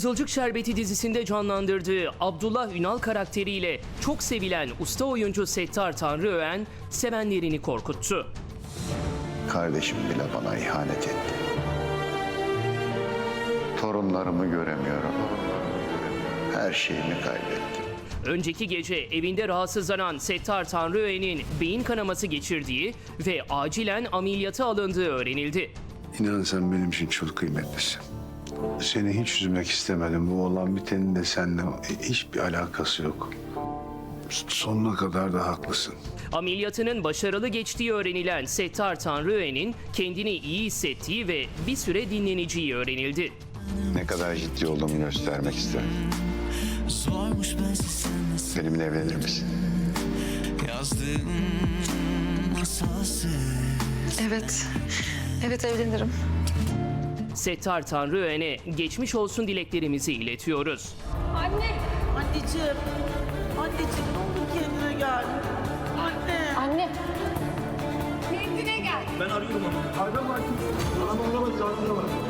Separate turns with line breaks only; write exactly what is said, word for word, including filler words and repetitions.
Kızılcık Şerbeti dizisinde canlandırdığı Abdullah Ünal karakteriyle çok sevilen usta oyuncu Settar Tanrıöğen sevenlerini korkuttu.
Kardeşim bile bana ihanet etti. Torunlarımı göremiyorum. Her şeyimi kaybettim.
Önceki gece evinde rahatsızlanan Settar Tanrıöğen'in beyin kanaması geçirdiği ve acilen ameliyata alındığı öğrenildi.
İnan sen benim için çok kıymetlisin. Seni hiç üzmek istemedim. Bu olan bitenin de seninle hiçbir alakası yok. Sonuna kadar da haklısın.
Ameliyatının başarılı geçtiği öğrenilen Settar Tanrıöğen'in kendini iyi hissettiği ve bir süre dinleneceği öğrenildi.
Ne kadar ciddi olduğumu göstermek isterim. Benimle evlenir misin?
Evet. Evet evlenirim.
Settar Tanrıöğen'e geçmiş olsun dileklerimizi iletiyoruz.
Anne! Anneciğim! Anneciğim ne olur kendine gel. Anne!
Anne.
Kendine gel.
Ben arıyorum onu. Arama. Arama arama. Arama.